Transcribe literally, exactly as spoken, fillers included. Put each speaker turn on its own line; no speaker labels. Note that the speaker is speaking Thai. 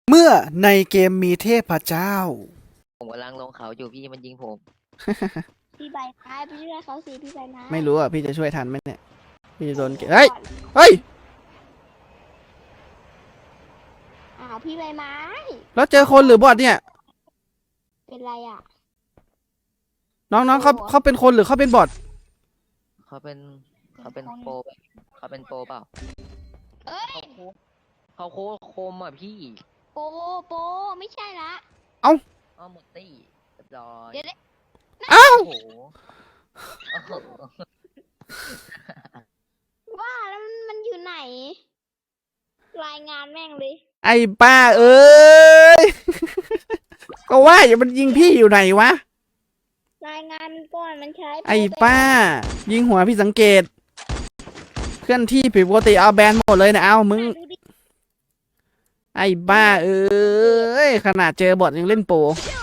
เมื่อในเกมมีเทพเจ้า
ผมกำลังลงเขาอยู่พี่มันยิงผม
พี่ใบไม้ไปช่วยเขาสิพี่ใบไม้
ไม่รู้อ่ะพี่จะช่วยทันไหมเนี่ยพี่จะโดนเกเฮ้ยเฮ้ย
อ้าวพี่ใบไม้
แล้วเจอคนหรือบอทเนี่ย
เป็นไรอ่ะ
น้องๆเขาเขาเป็นคนหรือเขาเป็นบอท
เขาเป็นเขาเป็นโปรเขาเป็นโปรเปล่า
เอ้ย
เขาโคตรคมอ่ะพี่
โปโปไม่ใช่ละ
อ้อหมดตี้เรียบร้อย
เดี๋ยว
เอ้า
โอ้โหโอ้โห
ว่าแล้วมันมันอยู่ไหน รายงานแม่งเลย
ไอ้ป้าเอ้ย ก็ว่าอย่ามันยิงพี่อยู่ไหนวะ
รายงานมันก่อนมันใช้
ไอ้ป้า ยิงหัวพี่สังเกต เคลื่อนที่ผิดปกติเอาแบนหมดเลยนะเอามึง
ดูดิ
ไอ้บ้าเอ้ยขนาดเจอบอทยังเล่นโปร
เดี๋ยว